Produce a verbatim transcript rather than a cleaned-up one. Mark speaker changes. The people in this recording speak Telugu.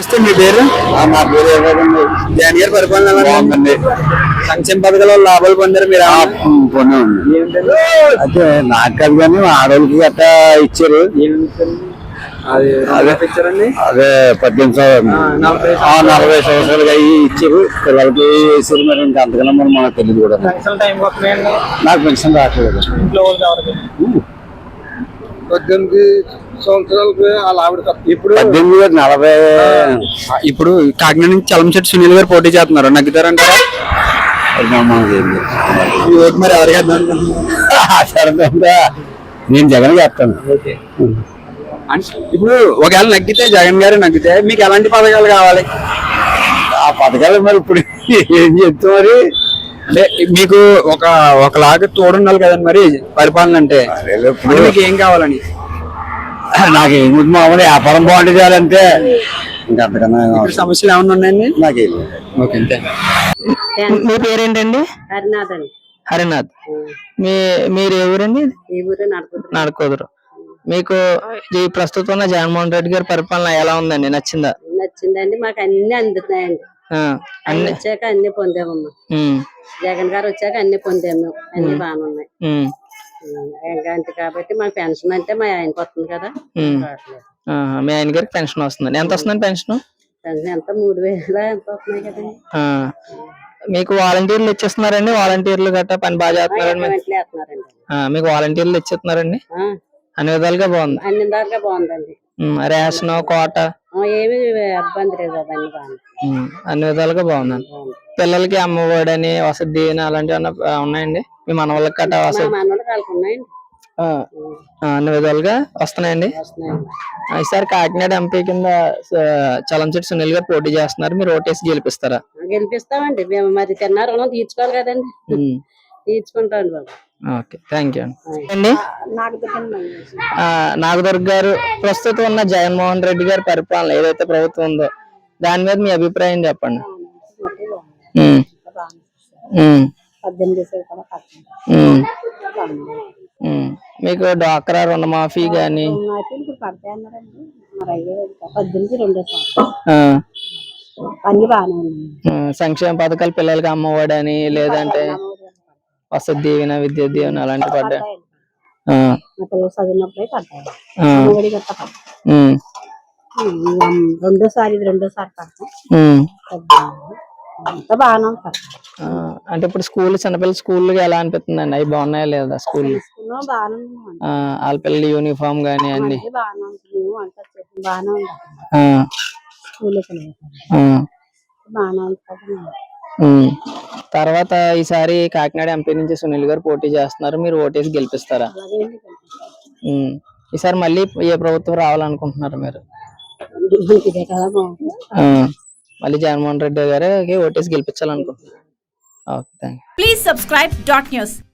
Speaker 1: నమస్తే, మీ పేరు?
Speaker 2: నా పేరు
Speaker 1: జగన్ గారి పరిపాలన ఎలా ఉందండి? సంక్షేమ పథకాల లాభాలు పొందారు మీరు?
Speaker 2: పొందామండి. అయితే నాకు కాదు కానీ ఆడవాళ్ళకి గట్టా ఇచ్చారు.
Speaker 1: అదే ఇచ్చారండి.
Speaker 2: అదే పద్దెనిమిది సంవత్సరాలు నలభై సంవత్సరాలుగా అయ్యి ఇచ్చారు. పిల్లలకి వేసారు. మరి ఇంకా అంతకన్నా మరి మనకు తెలియదు కూడా. నాకు పెన్షన్ రావట్లేదు.
Speaker 1: పద్దెనిమిది సంవత్సరాలకి ఇప్పుడు
Speaker 2: పద్దెనిమిది నలభై
Speaker 1: ఇప్పుడు కాకినాడ నుంచి చలంశెట్టి సునీల్ గారు పోటీ చేస్తున్నారు, నగ్గుతారంటారా? మరి ఎవరికి
Speaker 2: నేను జగన్ చేస్తాను.
Speaker 1: ఇప్పుడు ఒకవేళ నగ్గితే జగన్ గారు నగ్గితే మీకు ఎలాంటి పథకాలు కావాలి?
Speaker 2: ఆ పథకాలు మరి ఇప్పుడు ఏం చెప్తా మరి
Speaker 1: అంటే మీకు ఒక ఒకలాగా తోడుండాలి కదండి మరి పరిపాలన అంటే. మీకు ఏం కావాలని?
Speaker 2: నాకు ఏముంది మామూలు వ్యాపారం బాగుంటుంది చేయాలంటే ఇంకా అంతకన్నా
Speaker 1: సమస్యలు ఏమన్నా ఉన్నాయండి?
Speaker 2: నాకేం
Speaker 1: ఓకే.
Speaker 3: మీ పేరేంటండి?
Speaker 4: హరినాథ్ అండి.
Speaker 3: హరినాథ్. మీ మీరు ఎవరండి?
Speaker 4: ఈ ఊరే
Speaker 3: నడకొదురు. మీకు ఈ ప్రస్తుతం ఉన్న జగన్మోహన్ రెడ్డి గారి పరిపాలన ఎలా ఉందండి? నచ్చిందా?
Speaker 4: నచ్చిందండి. మాకు అన్ని అందుతున్నాయండి. అన్ని వచ్చాక అన్ని పొందామమ్మా. జగన్ గారు వచ్చాక అన్ని పొందాము. అన్ని బాగానే ఉన్నాయి. అంతే కాబట్టి మాకు పెన్షన్ అంటే మా ఆయనకి వస్తుంది కదా.
Speaker 3: మీ ఆయన గారికి పెన్షన్ వస్తుంది. ఎంత వస్తుందండి పెన్షన్?
Speaker 4: పెన్షన్ ఎంత మూడు వేల ఎంత వస్తున్నాయి కదండి.
Speaker 3: మీకు వాలంటీర్లు ఇచ్చేస్తున్నారండి? వాలంటీర్లు గట్టా పని బాగా చేస్తున్నారండి? మీకు వాలంటీర్లు ఇచ్చేస్తున్నారండి? అన్ని విధాలుగా బాగుంది.
Speaker 4: అన్ని విధాలుగా బాగుందండి.
Speaker 3: రేషన్ కోట
Speaker 4: ఏమి ఇబ్బంది లేదు. అవన్నీ బాగుంది.
Speaker 3: అన్ని విధాలుగా బాగుందండి. పిల్లలకి అమ్మఒడని వసతి దీవెన అలాంటివి ఉన్నాయండి? మీ మనవాళ్ళకి కట్ట వసతి
Speaker 4: ఉన్నాయండి.
Speaker 3: అన్ని విధాలుగా వస్తున్నాయండి. ఈసారి కాకినాడ ఎంపీ కింద చలంశెట్టి సునీల్ గారు పోటీ చేస్తున్నారు. మీరు ఓటేసి గెలిపిస్తారా?
Speaker 4: గెలిపిస్తామండి. మేము మరి తిన్న రుణం తీర్చుకోవాలి కదండి. తీర్చుకుంటాండి బాబు.
Speaker 3: ఓకే, థ్యాంక్ యూ అండి. నాగదుర్గ గారు, ప్రస్తుతం ఉన్న జగన్మోహన్ రెడ్డి గారి పరిపాలన ఏదైతే ప్రభుత్వం ఉందో దాని మీద మీ అభిప్రాయం చెప్పండి. మీకు డ్వాక్రా రుణమాఫీ గాని సంక్షేమ పథకాలు పిల్లలకి అమ్మఒడని లేదంటే వసతి దీవెన విద్యా దీవెన అలాంటి పడ్డా
Speaker 4: రెండోసారి రెండోసారి
Speaker 3: అంటే ఇప్పుడు స్కూల్ చిన్నపిల్లల స్కూల్ ఎలా అనిపిస్తుందండి? అవి బాగున్నాయా లేదా? స్కూల్ వాళ్ళ పిల్లల యూనిఫామ్ గానీ అన్ని తర్వాత ఈసారి కాకినాడ ఎంపీ నుంచి సునీల్ గారు పోటీ చేస్తున్నారు. మీరు ఓటేసి గెలిపిస్తారా? ఈసారి మళ్ళీ ఏ ప్రభుత్వం రావాలనుకుంటున్నారు మీరు? మళ్ళీ జగన్మోహన్ రెడ్డి గారికి ఓటేసి గెలిపించాలనుకుంటున్నారు. Okay, thank you.
Speaker 5: Please subscribe dot news.